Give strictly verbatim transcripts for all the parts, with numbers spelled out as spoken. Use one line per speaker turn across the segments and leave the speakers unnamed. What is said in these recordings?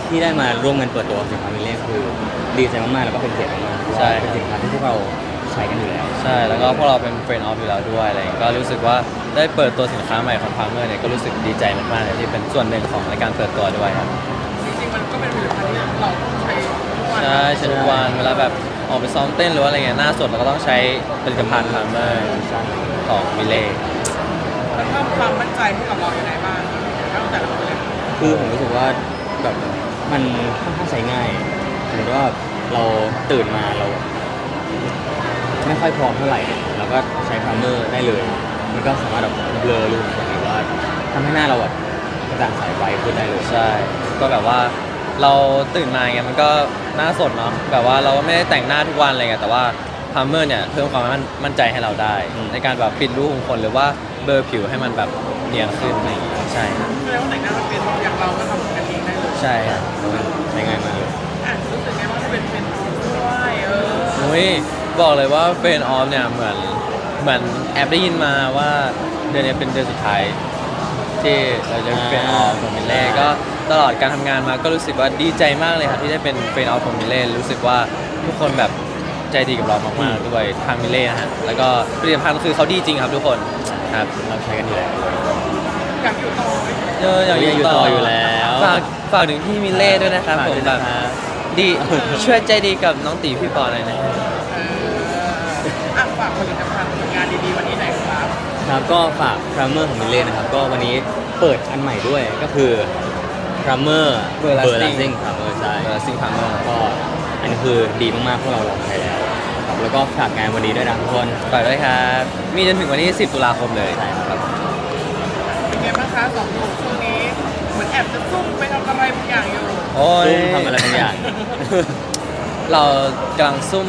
ที่ได้มาร่วมกันเปิดตัวสินค้ามิเล่คือดีใจมากๆแล้วก็เป็นเกียรติมากๆใช่เป็นสินค้าที่พวกเราใช้กันอยู่แล้ว
ใช่แล้วก็พวกเราเป็นเฟรนด์ออฟอยู่แล้วด้วยอะไรก็รู้สึกว่าได้เปิดตัวสินค้าใหม่ของพาร์เมอร์เนี่ยก็รู้สึกดีใจมากๆเลยที่เป็นส่วนหนึ่งของในการเปิดตัวด้วยครับ
จริงๆมันก็เป็นผลิตภัณฑ์ที่เราใช้ทุกวัน
ใช่ใช้ทุกวันเวลาแบบออกไปซ้อมเต้นหรือว่าอะไรเงี้ยหน้าสดเราก็ต้องใช้ผลิตภัณฑ์พาร์เมอร์ของมิเล่
มันเพิ่มความมั่นใจให้กับเราอย่างไรบ้างตั้งแต่เราเลย
คือผมรู้สึกว่าแบบมันค่อนข้างใช้ง่ายสมมติว่าเราตื่นมาเราไม่ค่อยพร้อมเท่าไหร่เราก็ใช้พาร์เมอร์ได้เลยมันก็สามารถแบบเบลอรูขุมขนหรือว่าทำให้หน้าเราแบบกระจ่างใสไวขึ้นได้เลย
ใช่ก็แบบว่าเราตื่นมาไงมันก็หน้าสดเนาะแบบว่าเราก็ไม่ได้แต่งหน้าทุกวันอะไรเงี้ยแต่ว่าพาร์เมอร์เนี่ยเพิ่มความมั่นใจให้เราได้ในการแบบปิดรูขุมขนหรือว่าเบลอผิวให้มันแบบเนียนขึ้นอะไรอย่างเงี้ยใช่
แสดงว่าแต่งหน้ามันเป็นอย่างเราก็ทำกันเองได้เลย
ใช่ครับ
ใช้ง่ายมากเลย
อ่ะรู้สึกไงว่าจะเป็นเป็นด้วยเออ
อุ้ยบอกเลยว่าเฟรนด์ออฟเนี่ยเหมือนเหมือนแอบได้ยินมาว่าเดือนนี้เป็นเดือนสุดท้ายที่เราจะเป็นเฟรนด์ออฟของมิเล่ก็ตลอดการทำงานมาก็รู้สึกว่าดีใจมากเลยครับที่ได้เป็นเฟรนด์ออฟของมิเล่รู้สึกว่าทุกคนแบบใจดีกับเรามากๆด้วยทางมิเล่นะฮะแล้วก็ผลิตภัณฑ์คือเขาดีจริงครับทุกคนครับ
เราใช้กันอยู่แล้ว
อยากอยู่ต่อไหม
เอออยากอยู่ต่อ
อยู่แล้ว
ฝากฝากถึงพี่มิเล่ด้วยนะครับผมแบบดีช่วยใจดีกับน้องตีพี่ปอหน่อยนะ
เอออ่ะฝากผลิตภัณฑ์ผลงานดีๆวันนี้หน่อยครับ
ครับก็ฝากพรามเมอร์ของมิเล่นะครับก็วันนี้เปิดอันใหม่ด้วยก็คือพรามเมอร์เบอร์ลาซิ่งพรามเมอร์ใช่
เบอร์ซิงพาร์เมอร์
ก็อันนี้คือดีมากๆพวกเราลองใช้แล้วครับแล้วก็ฝากงานวันนี้ด้วยนะทุกคน
ฝากด้วยครับมีจนถึงวันที่สิบตุลาคมเลย
ใช่ครับ
เป็นไงบ้างคะสองหนุ่มช่วงนี้เหมือนแอบจะซุ่มไปทำอะไรบางอย่างอยู่
โอ้ย
ทำอะไรบางอย่าง
เรากำลังซุ่ม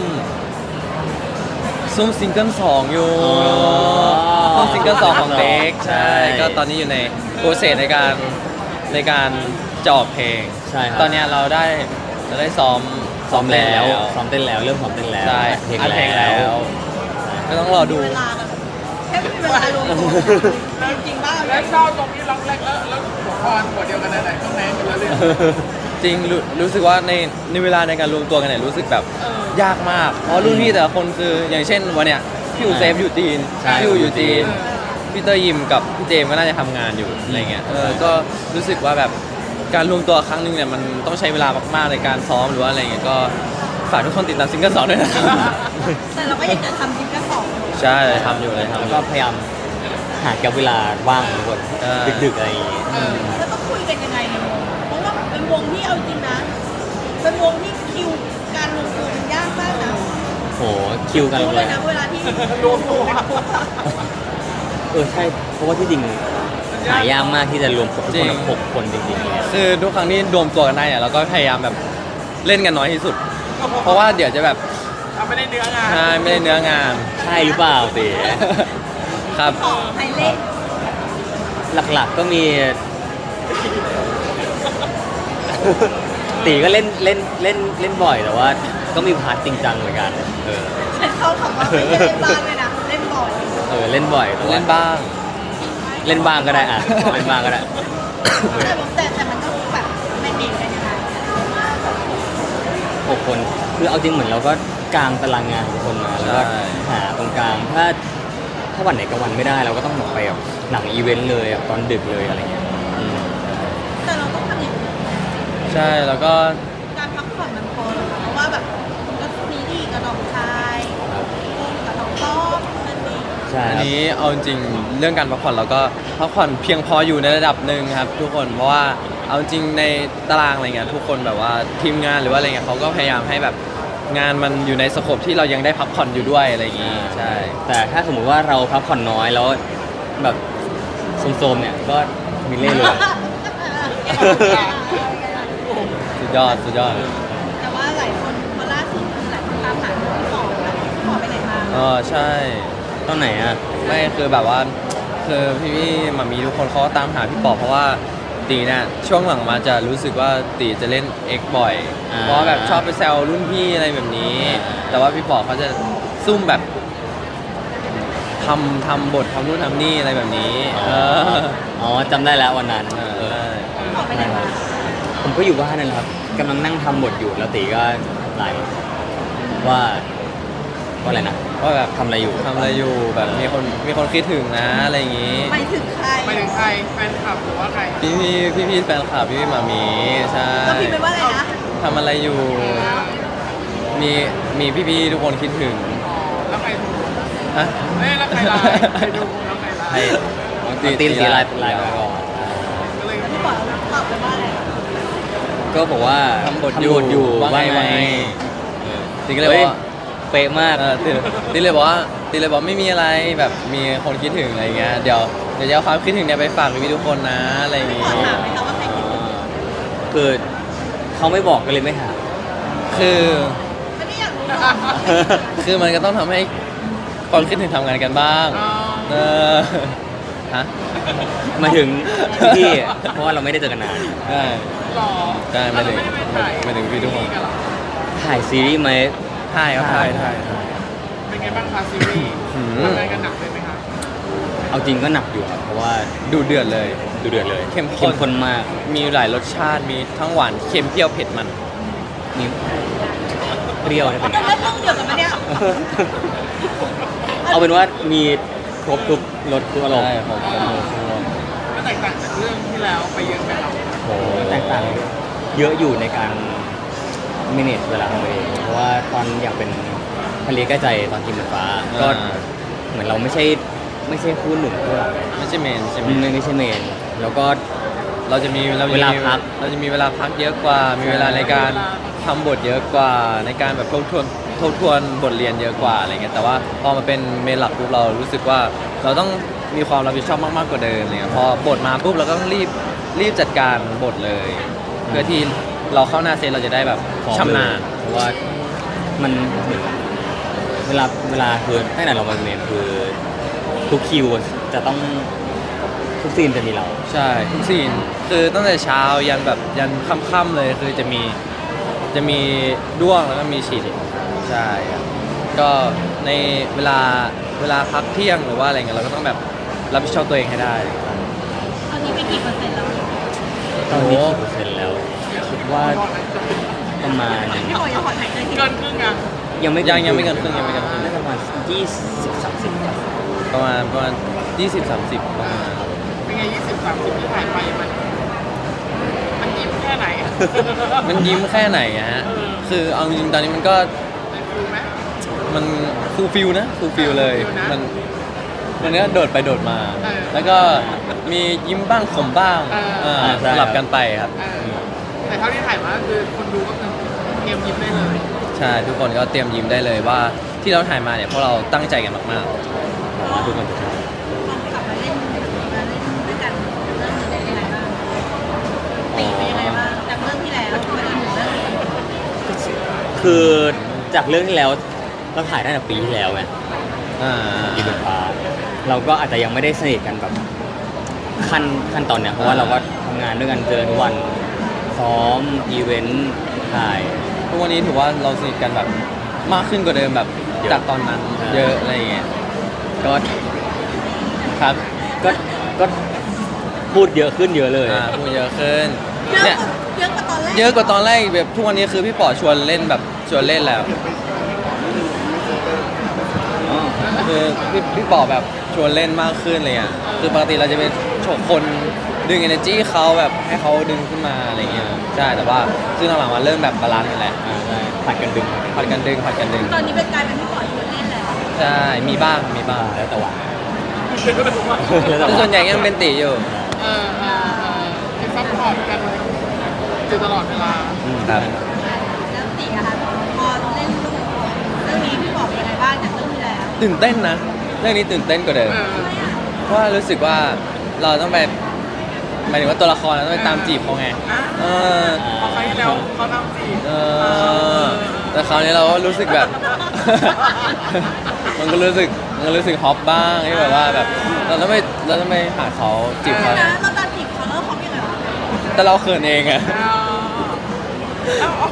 ซุ่มซิงเกิลสองอยู่ซุ่มซิงเกิลสองของเด็กใช่ก็ตอนนี้อยู่ในโปรเซสในการในการจะออกเพลง
ใช่ครับ
ตอนนี้เราได้เราได้ซ้อม
ซ้อมแล้วซ้อมเต้นแล้วเริ่มซ้อมเต้นแล้ว
ใช่อัดเพลงแล้วก็ต้องรอดู
เวลากันแค่ไม่มีเวลารวมตัวจริงๆบ้าง
แล้วชอบตรงนี้ล็อกแรกแล้วแล้วหัวคอนหัวเดียวกันไหนๆต้องแน่กันแล้วเลย
จริงรู้รู้สึกว่าในในเวลาในการรวมตัวกันเนี่ยรู้สึกแบบยากมากเพราะรุ่นพี่แต่ละคนคืออย่างเช่นวันเนี้ยพี่อูเซฟอยู่จีนพี่อูอยู่จีนพี่เตอร์ยิมกับพี่เจมก็น่าจะทำงานอยู่อะไรเงี้ยเออก็รู้สึกว่าแบบการรวมตัวครั้งหนึงเนี่ยมันต้องใช้เวลามากๆในการซ้อมหรือว่าอะไรเงี้ยก็ฝากทุกคนติดตามซิงเกิลสองด้วยนะ
แต่เราก็ยังจะทำซิงเกิลสอง
ใช่ทำอยู่เลยทำ
แล้วก็พยายามหาแกับเวลาว่างทุกคนดึกๆอะไรอย่างงี้
แล้วต้องคุยกันยังไงในวงเพราะว่าเป็นวงที่เอาจริงนะเป็นวงที่คิวการรวมตัวมันยากมากนะ
โหคิวกัน
เลยนะเวลาที่
รวมตัว
เออใช่เพราะว่าที่จริงหายากมากที่จะรวมทุกคนหกคนจริงๆเลย
คือทุกครั้งที่รวมตัวกันได้เนี่ยเราก็พยายามแบบเล่นกันน้อยที่สุดเพราะว่าเดี๋ยวจะแบบ
ไม่ได้เนื้องาน
ใช่ไม่ได้เนื้องาน
ใช่หรือเปล่าตี
ครับ
ใครเล่น
หลักๆก็มีตีก็เล่นเล่นเล่นเล่นบ่อยแต่ว่าก็มีพาร์ทจริงจังเหมือนกันเออ
ฉันเข้าคำว่าไม่ได้เล่นบ้างเลยนะเล่นบ่อย
เออเล่นบ่อย
เล่นบ้าง
เล่นบ้างก็ได้อ่ะเล่นบ้างก็ได้
แต่แต่มันต้องแบบแมนเนจกันยังไง
หกคนคือเอาจริงเหมือนเราก็กางตารางงานทุกคนมาแล้วก็หาตรงกลางถ้าถ้าวันไหนกับวันไม่ได้เราก็ต้องไปแบบหนังอีเวนต์เลยตอนดึกเลยอะไรเงี้ย
แต่เราต้องทำอย่างนี้
ใช่แล้วก็
การพักผ่อนมันพอหรอเพราะว่าแบบก็ซีรีส์กับน้องชายกับน้องต้อมนั่นเอง
อันนี้เอาจริงเรื่องการพักผ่อนเราก็พักผ่อนเพียงพออยู่ในระดับหนึ่งครับทุกคนเพราะว่าเอาจริงในตารางอะไรเงี้ยทุกคนแบบว่าทีมงานหรือว่าอะไรเงี้ยเขาก็พยายามให้แบบงานมันอยู่ในสโคปที่เรายังได้พักผ่อนอยู่ด้วยอะไรอย่างงี้ใช่
แต่ถ้าสมมติว่าเราพักผ่อนน้อยแล้วแบบโซมๆเนี่ยก็มีเล่เลย
สุดยอดสุดยอด
แต่ว่าหลายคนพอล่าสุดหลายคนตามหาพี่ปอนะพี่ปอไปไหนมา
อ๋อใช่
ตอนไหนอ่ะ
ไม่คือแบบว่าคือพี่พี่มามีทุกคนเขาก็ตามหาพี่ปอเพราะว่าตีเนี่ยช่วงหลังมาจะรู้สึกว่าตีจะเล่น X บ่อยเพราะแบบชอบไปแซวรุ่นพี่อะไรแบบนี้แต่ว่าพี่ปอเขาจะซุ่มแบบทำทำบททำนู่นทำนี่อะไรแบบนี้
อ๋อจำได้แล้ววันนั้น
ออกไปไหนมา
ผมก็อยู่บ้านนั่นแหละครับกำลังนั่งทำบทอยู่แล้วตีก็ไลน์มาว่าว่าอะไรนะ
ว่าแบบ
ทำอะไรอยู่
ทำอะไรอยู่แบบมีคนมีคนคิดถึงนะอะไรอย่างงี้
ไปถึงใคร
ไปถึงใครแฟนคลับหรือว่าใคร
พี่พี่พี่พี่แฟนคลับพี่พี่หมามีใช่
ก็พิมพ์ไปว่าอะไรนะ
ทำอะไรอยู่ มีมีพี่พี่ทุกคนคิดถึง
อ๋อแล้วใครดู
ฮะ
เอ้ยแล้วใครไลน์ใครดูแล้วใครไล
ให้
น์
ตีตีสีไลน์ไลน์มาก่อน
ก็เลย
พี่บอกตอบไปว่าอะไร
ก็บอกว่า
ทำบท
ทำบทอยู่
ว่าไง
ว่า
ว่าไง
เออ
ตีก็เลยบอกว่า
เป๊ะมาก
เออตีตีเลยบอกว่าตีเลยบอกไม่มีอะไรแบบมีคนคิดถึงอะไรเงี้ยเดี๋ยวเดี๋ยวจะเอาความคิดถึงเนี่ยไปฝากพี่ๆทุกคนนะอะไรอย่าง
พี่
งี้
ขอถามไหมคะว่าใครคิดถึง
คือเขาไม่บอกก็เลยไม่ถาม
คือ
ไม่ได้อยากรู้หรอก
คือมันก็ต้องทำให้ความคิดถึงทำงานกันบ้าง
อ๋อ
เออฮะ
มาถึงพี่เพราะว่าเราไม่ได้เจอกันนาน
ได้
หล่อ
ได้
แล้ว
ไม่
เรา
ถึง
ไม่ได้ไปถ่าย
ไม่ถึงพี่ทุกคน
ซีรีส์กันเหรอ
ถ่ายซีรีส์ไหม
ถ่ายครับถ่ายถ่าย
เป็นไงบ้างคะซีรีส์
อืม
ทำงานกันหนักเลยไหมคะ
เอาจริงก็หนักอยู่ครับเพราะว่า
ดูเดือดเลย
ดูเดือดเลย
เข้มข้น
ข้นมาก
มีหลายรสชาติมีทั้งหวานเค็มเปรี้ยวเผ็ดมัน
มีเปรี้ยวได้
เขา
เป็น
เป็นเรื่องเดียวกันปะเนี่ย
เอาเป็นว่ามีครบทุกรสทุกอารมณ์
ใช่ผมผมผมผม
ก็แตกต่างจากเรื่องที่แล้วไปเยอะไหมครับ
โหแตกต่างเยอะอยู่ในการ manage เวลาของตัวเองเพราะว่าตอนอยากเป็นทะเลใกล้ใจตอนกินหมูฟ้าก็
อ่า
เหมือนเราไม่ใช่ไม่ใช่คู่หนุ่มคู่หลัก
ไม่ใช่เมนใช่ไหม
ไม่ไม่ใช่เมน แล้วก็
เราจะมีเราจะมี
เวลาพัก
เราจะมีเวลาพักเยอะกว่า มีเวลาในการทำบทเยอะกว่า ในการแบบทบทวนทบทวนบทเรียนเยอะกว่าอะไรเงี้ยแต่ว่าพอมาเป็นเมนหลักปุ๊บเรารู้สึกว่าเราต้องมีความรับผิดชอบมากๆกว่าเดิมอะไรเงี้ยพอบทมาปุ๊บเราก็ต้องรีบรีบจัดการบทเลย เพื่อที่เราเข้าหน้าเซตเราจะได้แบบ
พร้อม
ชำนาญ
เลยเพราะว่ามันเวลาเวลาคือตั้งแต่เรามาเรียนคือทุกคิวจะต้องทุกซีนจะมีเรา
ใช่ทุกซีนคือตั้งแต่เช้ายันแบบยันค่ำๆเลยคือจะมีจะมีด้วงแล้วก็มีฉีดใช่ครับก็ในเวลาเวลาพักเที่ยงหรือว่าอะไรเงี้ยเราก็ต้องแบบรับผิดชอบตัวเองให้ได้
ตอนนี้ไปกี่เปอร์เซ็นต์แล้ว
ตอนนี้กี่เปอร์เซ็นต์แล้วคิดว่าประมาณ
พี่ขออย่าขอถ่ายใจที
เกินครึ่งอ่ะ
ยังไม่
ยังยังไม่เกินครึ่งยังไม่เกินครึ่ง
น่าจะประมาณยี่สิบสามสิบครับ
ประมาณประมาณยี่สิบสามสิบประมาณ
เป็นไงยี่สิบสามสิบที่ถ่ายไปมันมันยิ้มแค่ไหน
มันยิ้มแค่ไหนอะฮะ
เออ
คือเอาจริงๆตอนนี้มันก็
ได้ฟิลไหม
มันฟูลฟิลนะฟูลฟิลเลย
ฟูลฟิลนะ
มันมันก็โดดไปโดดมา
เออ
แล้วก็มียิ้มบ้างขมบ้าง
เออ
เออสลับกันไปครับ
เออแต่เท่าที่ถ่ายมาก็คือคนดูก็คือเตรียมยิ้มได้เลย
ใช่ทุกคนก็เตรียมยิ้มได้เลยว่าที่เราถ่ายมาเนี่ยเพราะเราตั้งใจกันมาก
ผมว่าทุกคนจะชอบ
ลองกลับมาเล่นมาเล่นด้วยกันเรื่องนี้เป็นยังไงบ้างตีเป็นยังไงบ้างจากเรื่องที่แล้วมาจนถึงเรื่องนี้
คือจากเรื่องที่แล้วเราถ่ายตั้งแต่ปีที่แล้วไง
ๆอ่า
กีบนฟ้าเราก็อาจจะยังไม่ได้สนิทกันแบบขั้นขั้นตอนเนี้ยเพราะว่าเราก็ทำงานด้วยกันเจอทุกวันซ้อมอีเวนต์ถ่าย
ทุกวันนี้ถือว่าเราสนิทกันแบบมากขึ้นกว่าเดิมแบบ
เยอะ
จากตอนนั้น
ใช่
เยอะอะไรอย่างเงี้ย
ก็
ครับ
ก็ก็พูดเยอะขึ้นเยอะเลย
อ่าพูดเยอะขึ้น
เยอะ
เนี่ย
กว่าเยอะกว่าตอนแรก
เยอะกว่าตอนแรกแบบทุกวันนี้คือพี่ป๋อชวนเล่นแบบชวนเล่นแล้ว
อ๋อ
คือพี่พี่ป๋อแบบชวนเล่นมากขึ้นเลยอ่ะคือปกติเราจะเป็นโฉกคนดึง energy เขาแบบให้เขาดึงขึ้นมาอะไรเงี้ยใช่แต่ว่าซึ่งหลังๆมาเริ่มแบบบาลานซ์กันแหละ
อ่าใช่ผัดกันดึง
ผัดกันดึงผัดกันดึง
ตอนนี้เป็นกลายเป็นพี่ปอชวนเล่นแล้ว
ใช่มีบ้างมีบ้าง
แล้วแต่หวาน
แต่ส่วนใหญ่ยังเป็นตีอยู่
เออเออเออเป็นซัพพอร์ตกันอยู่ตลอดเวลา
ครับ
แล้วตีอะคะพอเล่นเรื่องนี้พี่บอกเป็นยังไงบ้างจากเรื่องที่แล้ว
ตื่นเต้นนะเรื่องนี้ตื่นเต้นกว่าเดิม
เออ
เพราะว่ารู้สึกว่าเราต้องไปหมายถึงว่าตัวละครเราต้องไปตามจีบเขาไงเออ
พอครั้งที่แล้วเขาทำสิ
เออแต่คราวนี้เราก็รู้สึกแบบ มันก็รู้สึกมันก็รู้สึกฮอปบ้างที่แบบว่าแบบเราต้องไปเราต้องไปหาเขาจีบเขา
นะเราตามจีบเขาแล้วเขาเป็นยังไงวะ
แต่เราเขินเองอะ
เอาเอา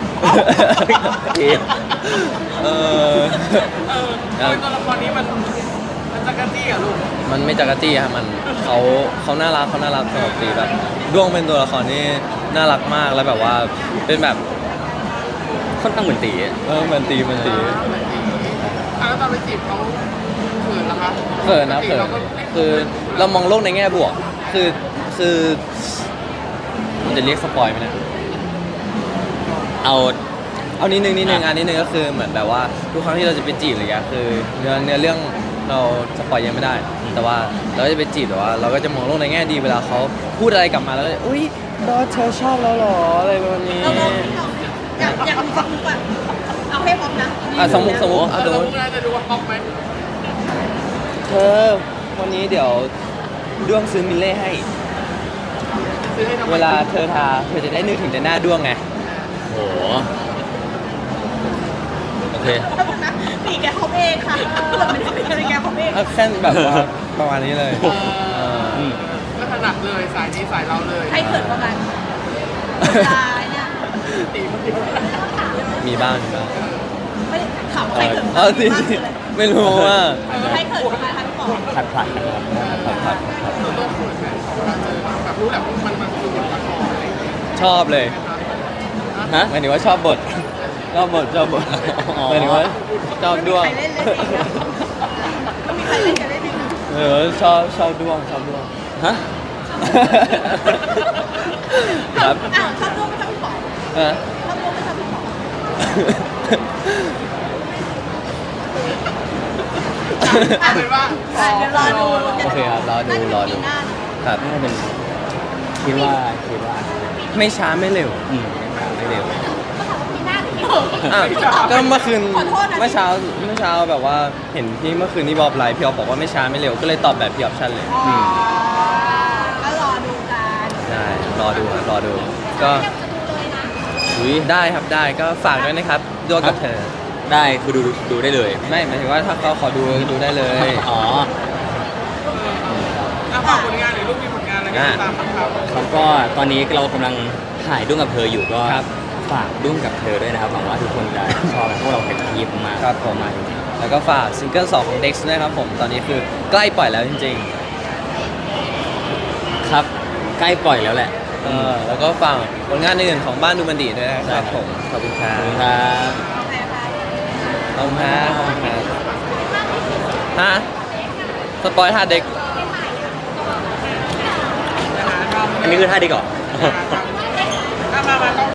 เอา
เออ
เออโดยตัวละครนี้มันมันจะจักรจี้เหรอลูก
มันไม่จักรจี้ครับมันเขาเขาน่ารักเขาน่ารักสำหรับตีแบบด้วงเป็นตัวละครที่น่ารักมากแล้วแบบว่าเป็นแบบ
ค่อนข้างเหมือนตีอะ
เออเหมือนตีเหมือนตี
อ่ะแล้วตอนไปจีบเขาเขินเหรอคะ
เขินนะ
ปกติ
เขิน
ราก็
คือเรามองโลกในแง่บวก คือคือมันจะเรียกสปอยไหมเนะ
เอา
เอานิดนึงนิดนึง
อ่ะ
อันนิดนึงก็คือเหมือนแบบว่าทุกครั้งที่เราจะไปจีบอะไรเงี้ยคือเนื้อเนื้อเรื่องเราสปอยยังไม่ได้ แต่ว่าเราก็จะไปจีบแต่ว่าเราก็จะมองโลกในแง่ดีเวลาเขาพูดอะไรกลับมาแล้วก็จะอุ้ยบอสเธอชอบเราเหรออะไรประมาณนี้
เราลองสิเราอยากอยากมีสักมุกอ่ะเอาให้พร้อมนะ
อ่ะสมมติสมมติ
เอ
อ่ะ
อ
สม
เรา
มติ
พูดอะไรจะดูว่าป๊อปไหม
เธอวันนี้เดี๋ยวด้วงซื้อมิลเล่ให้
ซื้อให้ทำไม
เวลาเธอทาเธอจะได้นึกถึงแต่หน้าด้วงไง
โหโอเค
แป๊บนึงนะตีแกเขาเองค่ะเหมือนไม่ได้เป็นแกเขาเอง
เอาแค่แบบว่าประมาณนี้เลย
เอ
เอ
อ
อ
ม
ก็ถนัดเลยสายนี้สายเราเลย
ใครเขินประมาณตายเนี่ย
ตีมันตี
มีบ้างมีบ้าง
ไม่ได้ถามว่า
เอ
ใคร
อ
เขิน
เออจริงๆไม่รู้ว่า
เออใครเขินประมาณคะพี่ปอ
ผัดผัดกันครับ
ผัดผัดผัด
เราต้องเขินไหมเวลาเจอแบบรู้แหละว่ามันมันคือบทละครอะไรอย่างเงี้ย
ชอบเลย
ฮะ
หมายถึงว่าชอบบท ชอบบทชอบบท
อ๋อ
หมายถึงว่าชอบด้วง
ใครเล่นเล่นเองนะมีใครเล่นกันเล่นเองนะ
เออชอบชอบด้วงชอบด้วง
ฮะ
ครับ
อ้าวชอบร่วมไม่ชอบพี่ปอ
เออ
ชอบร่วมไม่ชอบพี่ปอ
เอาเป็นว่า
อ่ะเดี๋ยวรอดู
โอเคครับรอดูรอดู
น่าจะเป็นปีหน้า
ครับ
น่าจะเป็นคิดว่าคิดว่า
ไม่ช้าไม่เร็ว
อืมไม่เร็ว
อ่ะก็เมื่อคืน
ขอโทษนะ
เมื่อเช้าเมื่อเช้าแบบว่าเห็นพี่เมื่อคืนนี้บอบไลน์พี่ออฟบอกว่าไม่ช้าไม่เร็วก็เลยตอบแบบพี่ออฟชั่นเลย
อ๋อก็รอดูกัน
ได้รอดูครับรอดู ก็
อุ้ย
ได้ครับได้ก็ฝากด้วยนะครับด้วงกับเธอ
ได้คือดูดูดูได้เลย
ไม่หมายถึงว่าถ้าเขาขอดูดูได้เลย
อ๋อ
อ่ะฝากผลงานหรือลูกมีผลงานอะไรกันตามบ้างครับ
ครับก็ตอนนี้เรากำลังถ่ายด้วงกับเธออยู่ก็
ครับ
ฝากด้วงกับเธอด้วยนะครับหวังว่าทุกคนจะชอบพวกเราเป็นทีมมาก
ครับผม
มากจริง
แล้วก็ฝากซิงเกิลสองของ Dex ด้วยครับผมตอนนี้คือใกล้ปล่อยแล้วจริง
ๆครับ ใกล้ปล่อยแล้วแหละ
ๆเออแล้วก็ฝากผลงานอื่นของบ้านดูมันดีด้วยนะครับผมขอบคุณค
ข
รั
อ
บบ
คุณครับ
ขอบคุณครับขอบคุณครับฮะสปอยท่าเด็ก
อันนี้คือท่าดีก่อน
อ่ะมามาต้อง